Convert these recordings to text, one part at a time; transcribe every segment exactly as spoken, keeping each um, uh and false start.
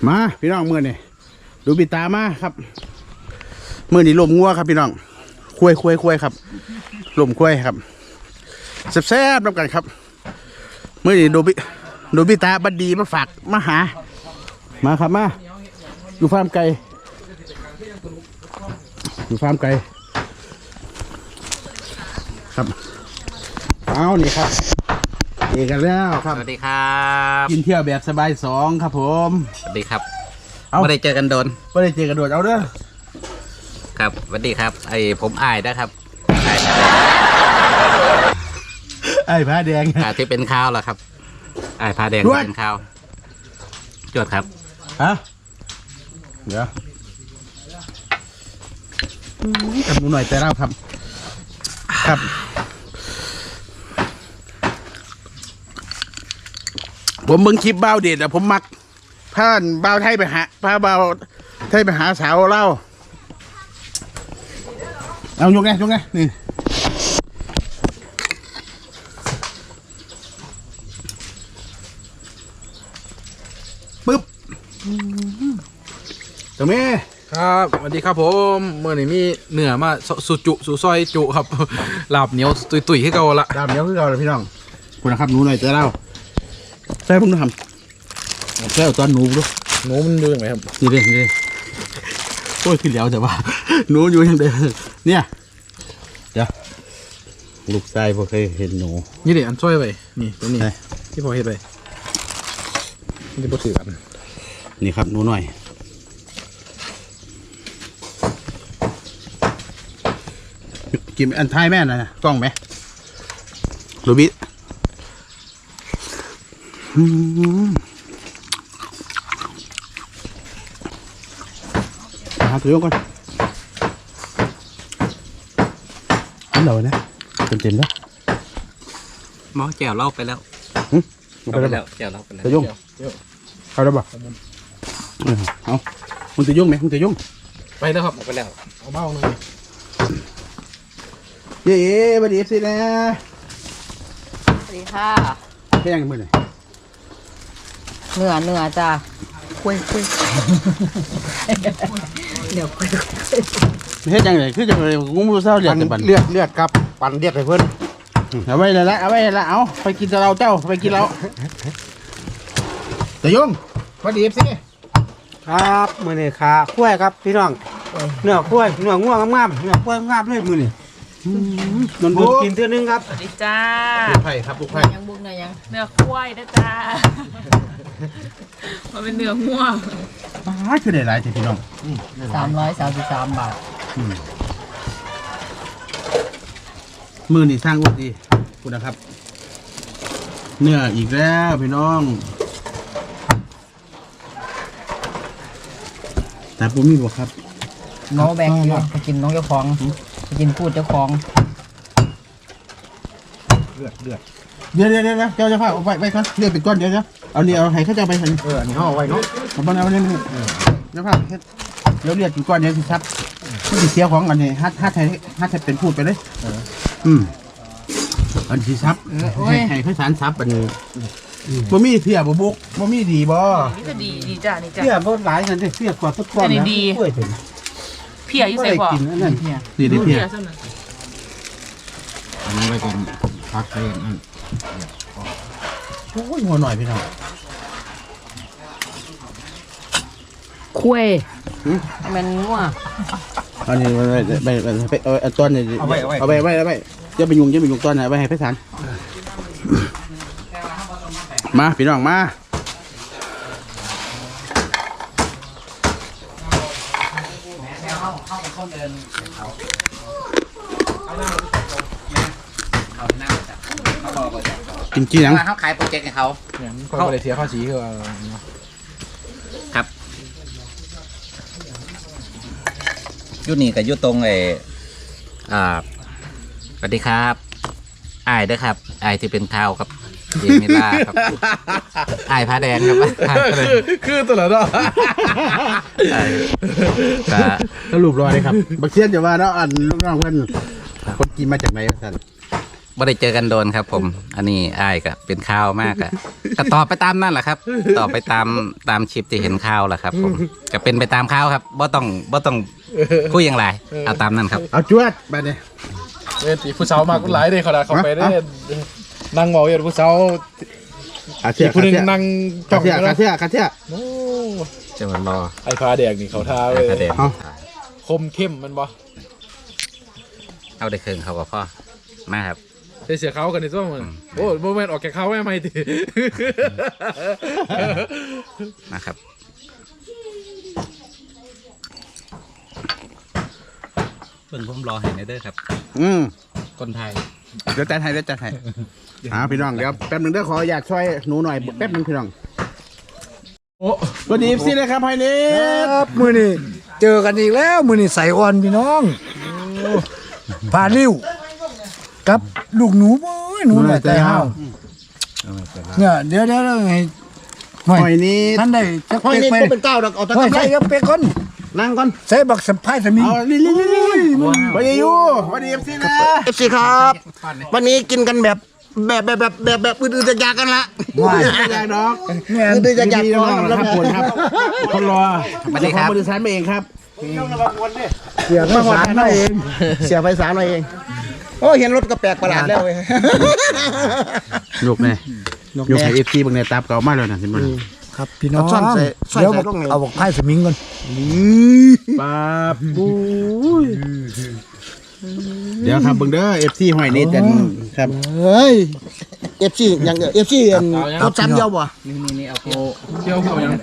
มาพี่น้องมือนี่ดูปิตามาครับมือนี่ลมงัวครับพี่น้องคุยคุยคุยครับลมคุยครับแซ่บๆน้ำกันครับมือนี่ดูปิดูปิตาบัดดีมาฝากมาหามาครับมาอยู่ฟาร์มไก่อยู่ฟาร์มไก่ครับเอานี่ครับเอกกันแล้วครับสวัสดีครับกินเที่ยวแบบสบายสองครับผมสวัสดีครับไม่ได้เจอกันโดนไม่ได้เจอกันโดนเอาเด้อครับสวัสดีครับไอผมอายนะครับอายไอ้ผ้าแดงอ่าที่เป็นข้าวแล้วครับอายผ้าแดงที่เป็นข้าวจดครับฮะเดี๋ยวกับหนูหน่อยแต่เล่าครับครับผมเบิ่งคลิปบ้าวเด็ดอะผมมักพาบ้าวไทยไปหาพาบ้าวไทยไปหาสาวเล่าเอายกไงยกไงนี่ปึ๊บตรงนี้ครับสวัสดีครับผมเมื่อนี้มีเหนือมาสุจุสุซอยจุครับ ลาบเหนียวตุยตุยให้เก่าละดามเดี๋ยวคือเราเลยพี่น้องคุณนะครับหนูหน่อยแต่เล่าใช่ผมต้องทำใช่ตอนหนูดูหนูมันดูยังไงครับนี่ดินี่ดิโอ้ยขึ้นแล้วแต่ว่าหนูอยู่ยังเดิมเนี่ยเดี๋ยวลูกชายพอเคยเห็นหนูนี่เดี๋ยวอันซอยไปนี่ตัวนี้ไหนที่พอเห็นไปนี่พอถือกันนี่ครับหนูหน่อยกินอันท้ายแม่น่ะกล้องไหมรูบิอืมหาตัวยงก่อนอันเดียวนะเต็มเต็มๆแล้วหมอแก้วเล่าไปแล้วเอาเอาไปไปแล้แล้ว วแก้วเล่าไปแล้วตัวยงเอาได้ปะเออเอามึงจะยุ่งไหมมึงจะยุ่งไปแล้วครับเอาไปแล้วเอาเบ้าหน่อยเย้ๆบัดดีสินะสวัสดีค่ะแค่ยังมือหน่อยเหนือเหนือจ้ะคุยคุยเดี๋ยวคุยเฮ็ดยังไงคือจะไปงูมือเศร้าเรียกแต่บันเลือดเลือดครับปั่นเลือดให้เพิ่นเอาไว้เลยละเอาไว้ละเอาไปกินเราเจ้าไปกินเราแต่ยุ่งบัดดีสิครับมื้อนี้ขาคุ้ยครับพี่น้องเนื้อคุ้ยเนื้อง่วงงามๆเนื้อคุ้ยงามเลยมื้อนี้นนบุบุกกกินเทื่อนึงครับสวัสดีจ้าลูกไผ่ครับลูกไผ่ยังบุกเนื้อยังเนื้อควายนะจ๊ะ มันเป็นเนื้อง่วงป้าคือได้หลายทีพี่น้องสามร้อยสามสิบสามบาทมือนี่สร้างอุดดีคุณนะครับ เนื้ออีกแล้วพี่น้องแต่ผมมีบอกครับน้องแบงค์อยู่ไปกินน้องเจ้าของไปกินพูดเจ้าของเลือดเลือดเดี๋ยวเดี๋ยวเดี๋ยวเจ้าจะพาเอาไปไปก่อนเรียกเป็นก้อนเดี๋ยวเดี๋ยวเอาเนี่ยเอาให้เขาจะเอาไปหันเอออันนี้ห่อไว้เนาะเอาไปเอาไปนี่เดี๋ยวพาเฮ็ดเดี๋ยวเรียกเป็นก้อนเดี๋ยวสิครับที่สิเสียของอันนี้ฮัทฮัทไทยฮัทไทยเป็นพูดไปเลยอืมอันที่ซับให้ให้เขาสารซับอันนี้บ่มีเพียบ่บุกบ่มีดีบ่นี่จะดีดีจ้ะนี่จ้ะเสียบ่หลายกันเด้เสียกว่าทุกก้อนอันนี้นะดีกล้วยเป็นเพียอยู่บ่ใส่ได้บ่อกินอันนั้นเนี่ยดีดีเพียเส้นนั้นอันนี้ไว้เป็นพักไปนั่นโอ้ยหัวหน่อยพี่น้องคุยมันงัวอันนี้ไปไปไปไปเอาเอาต้นนี่เอาไปเอาไปเอาไปเอาไปอย่าไปยุ่งอย่าไปยุ่งต้นนะเอาไปให้ไพศาลมาพี่น้องมากินกี่หนังเขาขายโปรเจกต์ให้เขาอย่างนี้ก็ไม่ได้เสียภาษีคือว่าครับยุนี่กับยุตรงไออ่าสวัสดีครับอายเด้อครับอายที่เป็นข้าวครับเจมิล่าครับอายผ้าแดงครับอายผ้าแดงคือตัวละเนาะอายก็สรุปรอยเลยครับบักเชียนจะว่าเนาะอันลูกน้องเพื่อนคนกินมาจากไหนท่านบ่ได้เจอกันโดนครับ ผม อันนี้อ้ายก็เป็นข่าวมากอะก็ตอบไปตามนั่นแหละครับตอบไปตามตามคลิปที่เห็นข่าวแหละครับ ผมก็เป็นไปตามข่าวครับบ่ต้องบ่ต้องคุยอย่างไรเอาตามนั้นครับเอาจวดไปเลยเอ้ยตีผู้สาวมากหลายเลยเขาด่าเขาไปได้นั่งเมาอยู่ผู้สาวขาเทียอีกผู้หนึงขานั่งเทีจ้องยอยู่ขานะเทียขาเทียโอ้จะมารอไอ้พาแดกนี่เขาท่าเลยประเด็นเอาคมเข้มมันบ่เอาได้เครื่องเขากับพ่อมาครับใส่เสียเขากันในช่วงมันโอ้โมเมนต์ออกแกเขาไม่ไม่ทีมาครับ เพิ่งผมรอเห็นเด้อครับอืมคนไทยเดี๋ยวจัดให้เดี๋ยวจัดให้อ่าพี่น้องเดี๋ยวแป๊บหนึงเด้อขออยากช่วยหนูหน่อยแป๊บหนึงพี่น้องโอ้สวัสดีพี่เลยครับไฮเนสครับมือนี่เจอกันอีกแล้วมือนี่ใส่อ่อนพี่น้องผ่านริ้วกับลูกหนูเอ้ยหนูหน่อยแต่ห้าวเนี่ยเดี๋ยวเดี๋ยวให้หอยนี้ท่านได้จักห้อยเป๊กนี่ไปก็เป็นเก้าดอกเอาตะห้อยกำไรใส่จักเป๊กก่อนนั่งก่อนใส่บักสัมภาษณ์สมิงเอานี่นี่นี่นี่สวัสดียูสวัสดีเอฟซีนะเอฟซีครับ วันนี้กินกันแบบแบบแบบแบบแบบแบบอื่นๆจะยากกันละว้ายอยากดอกเนี่ยอื่นๆจะยากดีก่อนน้องๆแล้วครับผลครับคนรอสวัสดีครับบริษัทมาเองครับเสียภาษาหน่อยเองเสียไฟสารหน่อยเองโอ้เห็นรถก็แปลกประหลาดแล้วเว้ยยกเลยยกให้เอฟซีบางในตับเก่ามากเลยนะสิมันครับพี่น้องเอาซ่อนใส่ใส่เดี๋ยวใส่บักลงไงเอาบักไพ่สมิงก่อนป้าบูยเดี๋ยวครับเบิ่งเด้อเอฟซีหอยเนตกันครับเฮ้ยเอฟซีอย่างเอฟซีเอาซ้ำเดียวบ่เที่ยวเขายัง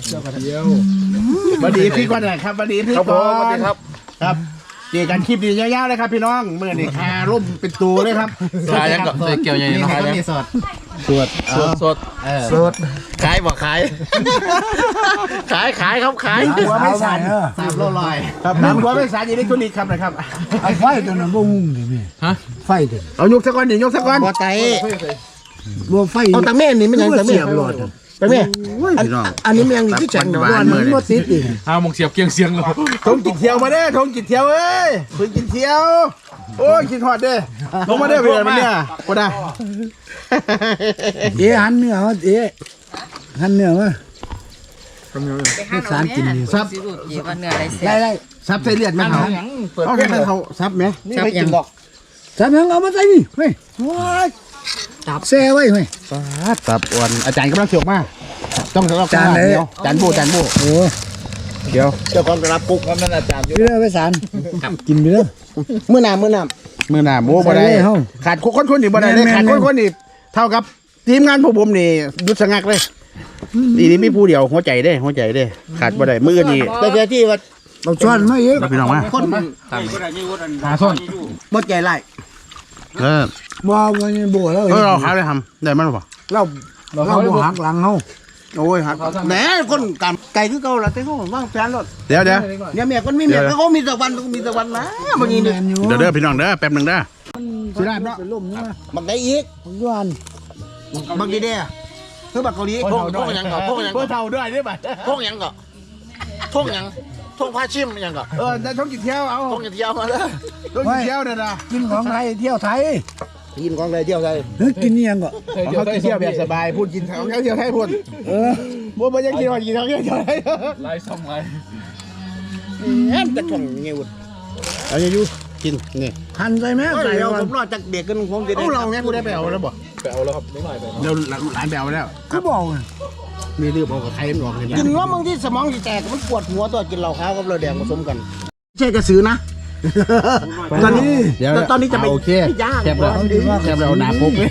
สวัสดีพี่ก่อนนะครับสวัสดีพี่ก่อนครับครับเจอกันคลิปดียาวๆเลยครับพี่น้องเมื่อนี่คาร่มเป็นตัวเลยครับขายยังกับใส่เกี่ยวยังขายยังสดสดสดสดขายบ่ขาย ขายขายครับขายหัวไม่สั่นเออสามโลลอยครับน้ำหัวไม่สารอิเล็กทรอนิกส์ครับนะครับไอ้ไฟตัวนั้นบ่งุ้งดิแม่ฮะไฟตัวนั้นเอายกสักก้อนดิยกสักก้อนบ่ไตบ่ไฟเอาตะเม่นนี่มันยังตะเม่เสียบหลอดตะเม่นพี่น้องอันนี้มันยังที่แข็งหเนาะวานมันบ่ติดอีกห้าโมงเสียบเกียงเสียงเลยทงกินเที่ยวมาเด้อทงกินเที่ยวเอ้ยเพิ่งกินเที่ยว โอ้ยกินหอดเด้อลงมาเด้อเพื่อนมันเนี่ยก็ได้เอ๊ะหันเนื้อมาเอ๊ะหันเนื้อมาไม่สารกินนี่ซับได้ได้ซับใส่เลือดไหมเขาเอาแค่เขาซับไหมนี่ไม่กินดอกสามยังเอามาใส่นี่เฮ้ยว้ายจับแซ่ไว้เฮ้ยซับอ้วนอาจารย์กำลังเสียวมากต้องต้องจานไหนเดียวจานโบจานโบโอ้เดี๋ยวเจ้าของกระปุกมันนั่นอาจารย์ไปเลยไปสารกินไปเลยมื้อหน้ามื้อหน้ามือหน้าโบบ่ได้ใส่เลยเฮ้าขาดคนคนนี่บ่ได้เลยแม่นๆขาดคนคนนี่เท่ากับทีมงานพวกผมนี่หยุดสงักเลยนี่นี่มีผู้เดียวหัวใจเด้หัวใจเด้ขาดบ่ได้มือนี่แต่เดี๋ยวที่ว่าเอาช้อนมาเยอะพี่น้องมาคนหาส้นบ่ใจไล่เออบ่มันโบแล้วเออเราหาเลยทำได้มั้ยหรอเราเราบ่หักหลังเฮาโอ้ยหักแหมคนกำไก่คือเก่าล่ะแต่เขาว่างแฟนรถเดี๋ยวเดี๋ยวเนี่ยเมียคนมีเมียเขามีสักวันก็มีสักวันนะบางทีเนี่ยเดี๋ยวเด้อพี่น้องเด้อแป๊บหนึงเด้อสุราษฎร์เนาะเป็นลมนี่มาบางได้อีกผมย้อนบางทีเนี่ยคือบักเกาหลีพวกพวกยังก่อพวกยังเพื่ก่ออเท่าด้วยได้ป่ะพวกยังก่อพวกยังพวกผ้าชิมยังก่อเออได้ท้องกินเที่ยวเอาพวกยังเที่ยวมาเลยท้องกินเที่ยวเด้อนะกินของไทยเที่ยวไทยกินของอะไรเที่ยวไทยเฮ้ยกินนี่ยังก็เขากินเที่ยวแบบสบายพูดกินเขาเที่ยวให้พูดเออบ่บ่ยังกินว่ากินเขาเที่ยวให้ไล่ซ่อมไล่แอนจะช่องเงี้ยวุ้เอาอย่าอยู่กินนี่หั่นใส่แม่ใส่ใส่เราก่อผนมรอจากเด็กกันคงจะเอาเราแม่กูได้ไปเอาแล้วบ่ไปเอาแล้วครับนิดหน่อยไปเดี๋ยวหลานไปเอาแล้วคือบอกน่ะมีลืมเอากับใครมันออกเลยกินว่าบางที่สมองจะแตกมันปวดหัวตัวกินเหล้าขาวกับเหล้าแดงผสมกันใช่กระสือนะตอนนี้เดี๋ยวตอนนี้จะไปโอเคย่างแคบแล้วแคบแล้วหนาปุ๊บเลย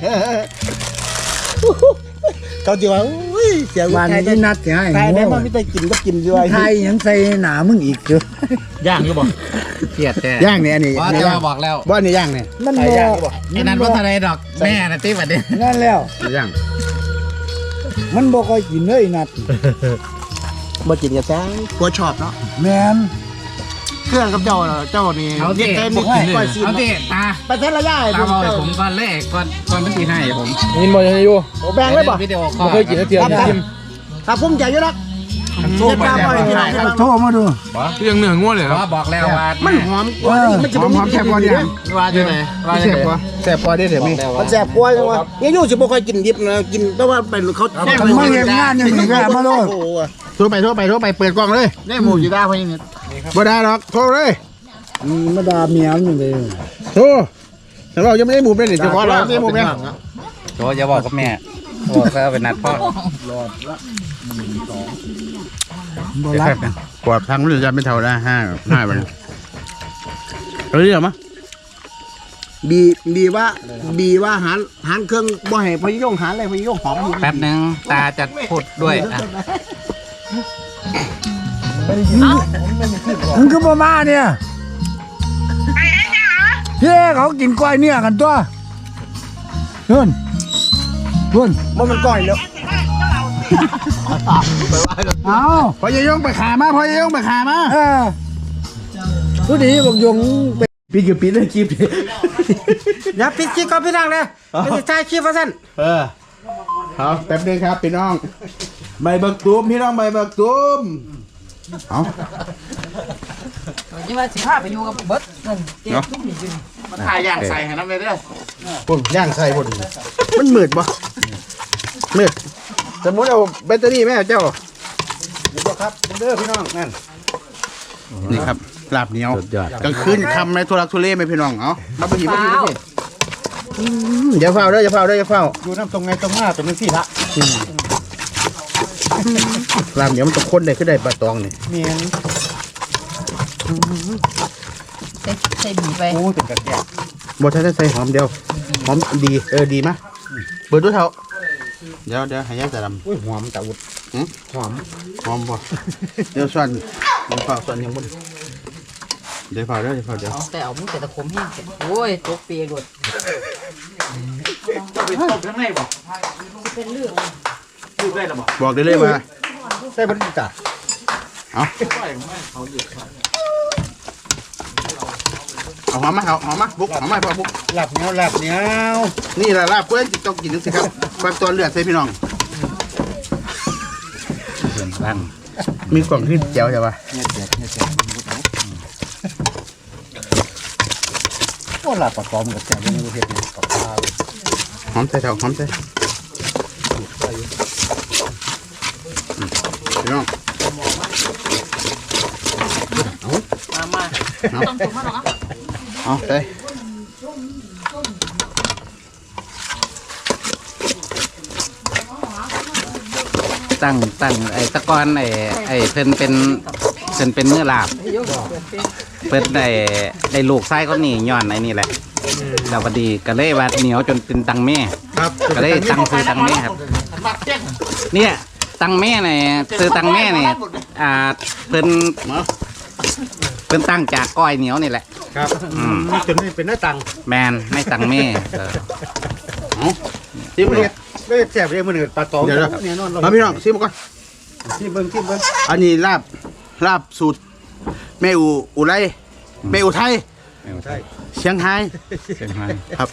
เขาจะว่าอุ้ยเสียวันใครได้นี้นัดสิให้ใครได้หัวมาไม่ได้กินก็กินด้วยไทยยังใส่หนามึงอีกเด้อย่างอยู่บ่เครียดแท้ย่างเนี่ยอันนี้ว่านี่จะย่างมาบอกแล้วว่านี่ย่างเนี่ยมันใครบ่ย่างก็บอกไอ้นั้นว่าทะเลดอกแม่นะติ๊บอันนี้นั่นแล้วนี่ย่างมันบ่ค่อยกินเลยนัดมากินกันซะกลัวชอบเนาะแม่นเครื่องกับเจ้าน่ะเจ้านี่เอาเด็สิกเต้นนี่ก้อยซีนเอาสิตาไปเทศระยะไอ้ตาผมบอกให้ผมก่อนเลยก่อนก่อนมันตีให้ผมยินบ่ยังอยู่โอ้แบงเลยบ่วิดีโอคอไม่ลเคยกินนะเทียมครับจิ้มครับภูมิใจอยู่นักมโทรมาบ่อยพี่น้องครับโทรมาดูคือยังเนื้อง่วเลยครับบอกแล้วว่ามันหอมกว่ามันจะหอมหอมแซ่บกว่าเนี่ยว่าจะไหนว่าจะแซ่บไหนกว่าแซ่บกว่าได้เดี๋ยวมีมันแซ่บกว่าจังวะยังอยู่สิบ่ค่อยกินดิบนะกินแต่ว่าเป็นเขาแซ่บมันไม่เห็นงานอย่างนี้ก็มาโลดโอ้โหโทรไปโทรไปโทรไปเปิดกล้องเลยได้หมูอยู่ได้เพราะยังไงบ่ได้หรอกโทรเลยมาด่าเมียมันเลยโทรแต่เรายังไม่ได้หมุมเลยนี่เฉพาะเราไม่ได้หมุมเนี่ยโจอย่าบอกกับแม่บอกแล้วเป็นนัดพ่อบ่รักกว่าทางมันจะไม่เท่าได้ห้าห้าไปเฮ้ยเหรอมะบีบีว่าบีว่าหารหารเครื่องบ่ให้พยงหารอะไรพยงหอมอยู่แป๊บนึงตาจะพูดด้วยอ่ะมันก็บ่มาเนี่ยพี่เขากินกล้วยเนี่ยกันตัวเพื่อนเพื่อนมันมันก้อยแล้วเอาพอยายงไปขามาพอยายงไปขามาเออผู้ดีบอกยงปีกับปีเลยคลิปอย่าปิดคลิปก่อนพี่น้องเลยไม่ใช่ถ่ายคลิปว่าซั่นเออเอาแป๊บนึงครับพี่น้องใบเบิกตูมพี่น้องใบเบิกตูมเอายิ่งว่าสิพาไปอยู่กับเบิดนั่นเจ๊ทุกนี่ถ่ายอย่างใส่ให้น้ำเลยเด้อปุ่นย่างใส่ปุ่นมันมืดปะมืดสมมติเอาแบตเตอรี่แม่เจ้าเดี๋ยวครับเด้อพี่น้องนั่นนี่ครับลาบเหนียวกลางคืนคำในทุรักทุเลไหมพี่น้องเอามาไปหยิบมาหยิบมาหยิบอืมอย่าเฝ้าเด้ออย่าเฝ้าเด้ออย่าเฝ้าอยู่น้ำตรงไงตรงหน้าตรงนี้สิละลาบเหนียวมันตกข้นได้ขึ้นได้ปลาตองนี่เมียนใส่ใส่บีไปโอ้เป็นกระแกะบดใช้ใส่หอมเดียวหอมดีเออดีมะเปิดด้วยเถอะเดี๋ยวเดี๋ยวให้ยายจะดำอุ้ยหอมตะอุดหืมหอมหอมบ่เดี๋ยวส่วนเดี๋ยวฝ่าส่วนยังบ่เดี๋ยวฝ่าเดี๋ยวเดี๋ยวฝ่าเดี๋ยวแต่เอามือแต่ตะคมแห้งโอ้ยตกเปียกหมดบอกได้เลยว่าใส่บรรยากาศเอาเอาหอมมาเอาหอมมาบุกหอมมาพอบุกหลับเหนียวหลับเหนียวนี่แหละลาบเพื่อนต้องกินสิครับฟักตัวเลือดใส่พี่น้องเพื่อนบ้างมีกล่องที่เจียวใช่ปะโอ้หลับปากกอมกับแกะยังไม่เห็นกับข้าวหอมใส่เถอะหอมใส่อืมพี่น้องมามาต้องถูกมาหรอกอ่ะเอาใส่ตั้งตั้งไอ้ตะกอนไอ้ไอ้เพิ่นเป็นเพิ่นเป็นเนื้อลาบเพิ่นได้ได้ลูกไส้เขานี่ย้อนไอ้นี่แหละแล้วพอดีก็เลยว่าเหนียวจนเป็นตังแม่ครับก็เลยตังซื้อตังแม่ครับเนี่ยตังแม่เนี่ยซื้อตังแม่เนี่ยอ่าเพิ่นเพิ่นตั้งจากก้อยเหนียวนี่แหละครับอืมจนเป็นหน้าตังแมนไม่ตังแม่เออซิมเลยได้แซ่บเลยมันเกิดปลาตองเดี๋ยวเนี่ยนอนเอาพี่น้องซิมก่อนที่เบิ้งที่เบิ้งอันนี้ลาบลาบสูตรแม่อูอุไรแม่อูไทยใช่เชียงไฮ้เชียงรายครับ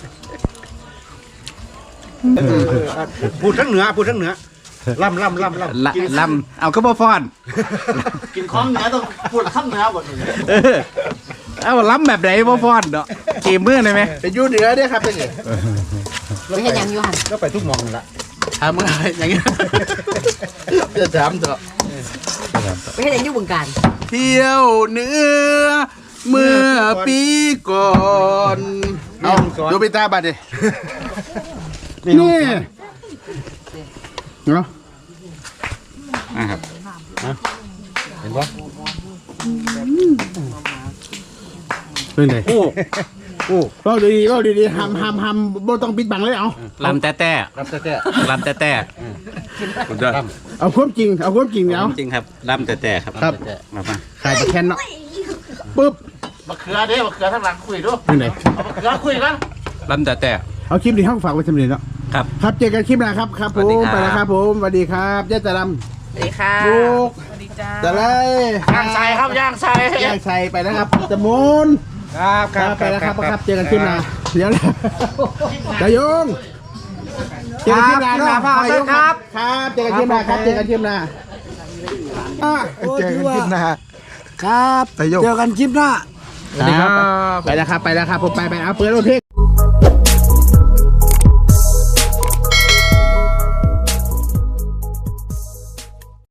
พูดทั้งเหนือพูดทั้งเหนือล่ำล่ำล่ำล่ำละลำเอาก็บ่ฟอนกินของเหนือต้องพูดข้ามเหนือหมดเออเอาล้ำแบบไหนบ่ฟอนเนาะเกมมือได้ไหมเป็นยูเหนือเด้อครับเป็นไงไม่เห็นยังอยู่หันแล้วไปทุกมองละทำอะไรอย่างเงี้ยจะถามเถอะไม่เห็นยังอยู่บึงการเที่ยวเหนือเมื่อปีก่อนเอาดูไปตาบัดดินี่เนาะนะครับเห็นปะเป็นไงโอ้โอ้เล่าดีๆเล่าดีๆห้ามห้ามห้ามบ่ต้องปิดบังเลยเอาลำแต่แต่รับแต่แต่ลำแต่แต่เอาความจริงเอาความจริงเอาจริงครับลำแต่แต่ครับครับมามาขายตะแคนเนาะปึ๊บมะเขือเด้มะเขือทั้งหลังคุยด้วยเป็นไงมะเขือคุยกันลำแต่แต่เอาคลิปนี้ห้องฝากไว้สำเร็จแล้วครับครับเจอกันคลิปหน้าครับครับผสวัสดีมครับไปแล้วครับผมสวัสดีครับย่าจะดสวัสดีค่ะำบุกสวัสดีจ้าจะไล่ย่างใส่ครับย่างใส่ย่างใส่ไปแล้วครับจมูนครับคครัรับบไปแล้วครับครับเจอกันคลิปหน้าเดี๋ยวจะยงเจอกันคลิปหน้าเนาะครับครับครับเจอกันคลิปหน้าครับเจอกันคลิปหน้าอ่ะเจอกันคลิปหน้าครับไปโยกเจอกันคลิปหน้าสวัสดีครับไปแล้วครับไปแล้วครับผมไปไปเอาเปิดรถเพลง